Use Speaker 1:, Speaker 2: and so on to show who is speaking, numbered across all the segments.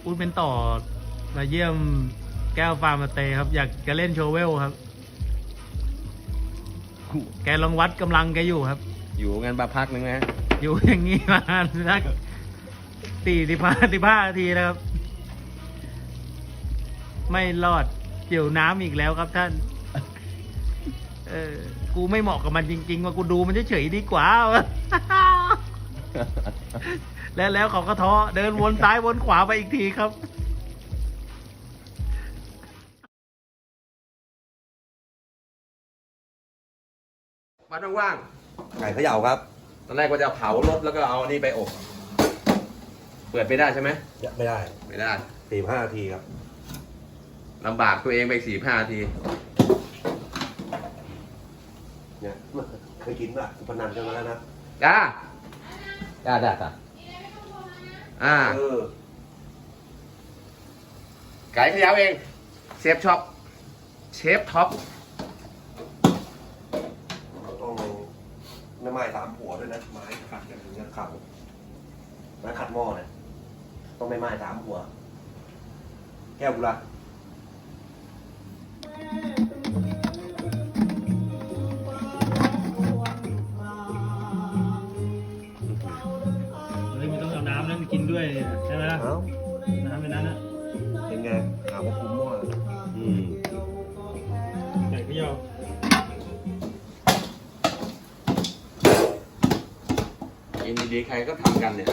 Speaker 1: พูดเป็นต่อมาเยี่ยมแก้วฟาร์มสเตย์ครับ อยากจะเล่นโชว์เวลครับ แกลองวัดกำลังแกอยู่ครับ
Speaker 2: อยู่กันมาพักนึงนะ
Speaker 1: อยู่อย่างนี้มาสัก45 นาทีนะครับ ไม่รอดเกี่ยวน้ำอีกแล้วครับท่าน กูไม่เหมาะกับมันจริงๆว่ากูดูมันเฉยๆดีกว่า แล้วเขาก็ท้อเดินวนซ้ายวนขวาไปอีกทีครับ
Speaker 2: มาว่าง
Speaker 3: ไก่เขย่าครับ
Speaker 2: ๆตอนแรกว่าจะเผารถแล้วก็เอานี่ไปอบ เปิดไปได้ใช่ไหม
Speaker 3: ไม่ได้
Speaker 2: ไม่ได้
Speaker 3: 45 นาทีครับ
Speaker 2: ลำบากตัวเองไป45 นาที
Speaker 3: เนี่ยเคยกินป่ะสุพนันกันมาแล้วนะ
Speaker 2: จ้า
Speaker 3: เออ
Speaker 2: ไก่เขยาวเอง เชฟช็อป เชฟท็อป
Speaker 3: ต้องไม่ไม้3 หัวด้วยนะ ไม้ขัดกันถึงจะขัดไม้ขัดหม้อเนี่ยต้องไม่ไม้3 หัว แก้วกุละ
Speaker 1: เฮ้ยมันต้องเอาน้ำนั้นกินด้วยใช่ไหมล่ะ
Speaker 3: เอ้า
Speaker 1: น้ำในนั้นนะ
Speaker 3: เป็นไงหาว่าคุ้มหม้ออืม
Speaker 1: ไก่เขย่า
Speaker 2: กินดีๆใครก็ทำกันเนี่ย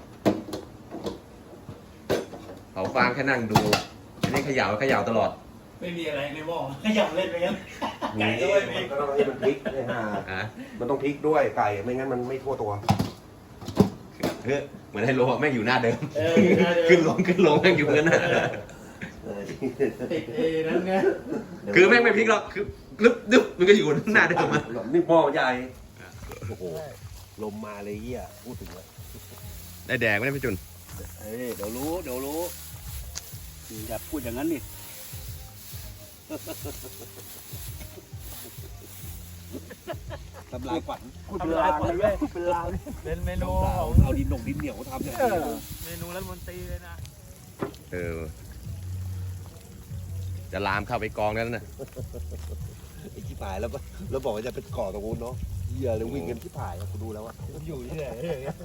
Speaker 2: เผาฟางแค่นั่งดู อันนี้เขย่าตลอด
Speaker 1: ไม่มีอะไรในหม้อขยับเล่นไปยังไก่ก็
Speaker 3: นี่
Speaker 1: ไม่มี
Speaker 3: มันก็ต้องให้มันพลิกให้ห่า
Speaker 2: อ่ะ
Speaker 3: มันต้องพลิกด้วยไก่ไม่งั้นมันไม่ทั่วตัว
Speaker 2: เฮ้ยเหมือนไฮโลอะแม่งอยู่หน้าเดิม
Speaker 1: น่าเดิน
Speaker 2: ขึ้นลงแม่งอยู่งั้นน่ะ
Speaker 1: ติดนั่นไง
Speaker 2: คือแม่งไม่พลิกหรอกคือดึ๊บมันก็อยู่หน้าเดิมอะ
Speaker 3: นี่หม้อมันใหญ่โอ้โหลมมาเลยเหี้ยพูดถึงเลย
Speaker 2: ได้แดกไม่ได้พี่จุน
Speaker 4: เดี๋ยวรู้อย่าพูดอย่างนั้นนี่ ทำลายฝันพูดเป็นลางเลยพูดเป็นลาง
Speaker 1: เป็นเมนูของ
Speaker 4: เอาดินเหนียวทำเนี่ย
Speaker 1: เมนูรัฐมนตรีเลยนะ
Speaker 2: เออ จะลามเข้าไปกองนั้นน่ะ
Speaker 3: ไอ้ที่ผายแล้วบอกว่าจะเป็นก่อตรงนู้นเนาะเหี้ยเลยวิ่งกันที่ผายกูดูแล้วอะ
Speaker 1: อยู่ที่ไหน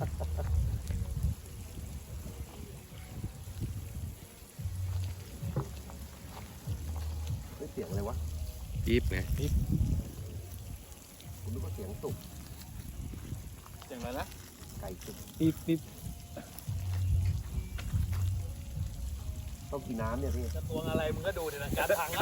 Speaker 3: ไม่เสียงอะไรวะ
Speaker 2: จี๊บไง
Speaker 3: กูนึกว่าเสียงตุก
Speaker 1: เสียงอะไรนะ
Speaker 3: ไก่ตุก
Speaker 1: ปิ๊บ
Speaker 3: ต้องกินน้ำเนี่ยพี่
Speaker 1: จะตวงอะไรมึงก็ดูดินะการพัง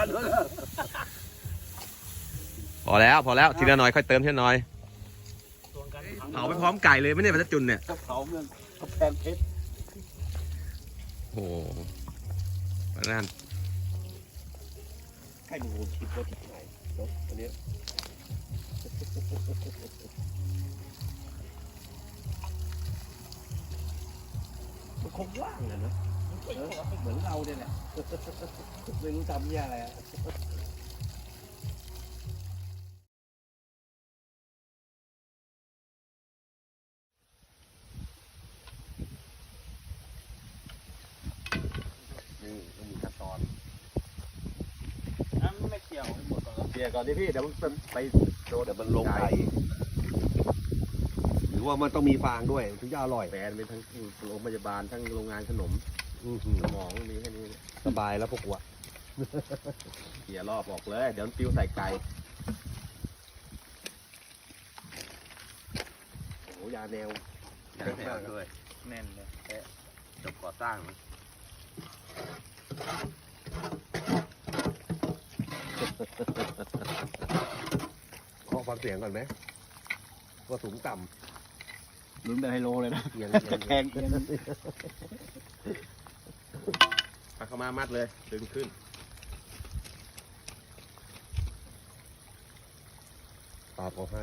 Speaker 2: พอแล้วทีละหน่อยค่อยเติมทีละหน่อย
Speaker 1: ตวงการพัง
Speaker 2: เผาไปพร้อมไก่เลยไม่ได้พัชจุนเนี่ย
Speaker 4: กระเพราเมืองกระแพงเพชร
Speaker 2: โอ้โหนั่น
Speaker 3: ให้มึงคิดว่าที่ไหนเนาะอันเนี้ยมันคงว่างอะเนาะเหมือนเราเนี่ยแหละไม่รู้ทำเนี่ยอะไรอะนี่มันมีขั้นตอน
Speaker 1: น้ำไม่เกี่ยวหมดก่อน
Speaker 3: เสียก่อนดิพี่เดี๋ยวมันไปโดนเดี๋ยวมันลงไก่หรือว่ามันต้องมีฟางด้วยถึงจะอร่อย
Speaker 2: แฟนเป็นทั้งโรงพยาบาลทั้งโรงงานขนมสมองมีแค่นี้
Speaker 3: สบายแล้วพวกกูอะ
Speaker 2: เขี่ยรอบออกเลย เดี๋ยวปิ้วใส่ไก่
Speaker 3: โอ้โหยาแนว
Speaker 2: แน่นด้วย
Speaker 1: แน่นเลย
Speaker 2: จบก่อสร้าง
Speaker 3: ขอฟังเสียงก่อนไหมว่าสูงต่
Speaker 4: ลุ้นเป็นไฮโลเลยนะ
Speaker 3: ำเอียง
Speaker 4: กระแพงเอียง
Speaker 2: ปากเข้ามามัดเลยดึงขึ้น
Speaker 3: ตาเขาให้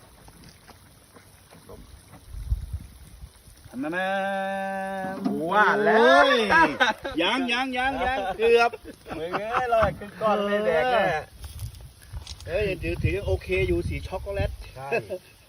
Speaker 4: อันนั้นนะ
Speaker 2: ว่าแล้ว
Speaker 4: ยังเกือบ
Speaker 1: มึงเอ้ยลอยขึ้นก้อนไม่แดกแน่
Speaker 4: ถือโอเคอยู่สีช็อกโกแลต
Speaker 3: ใช่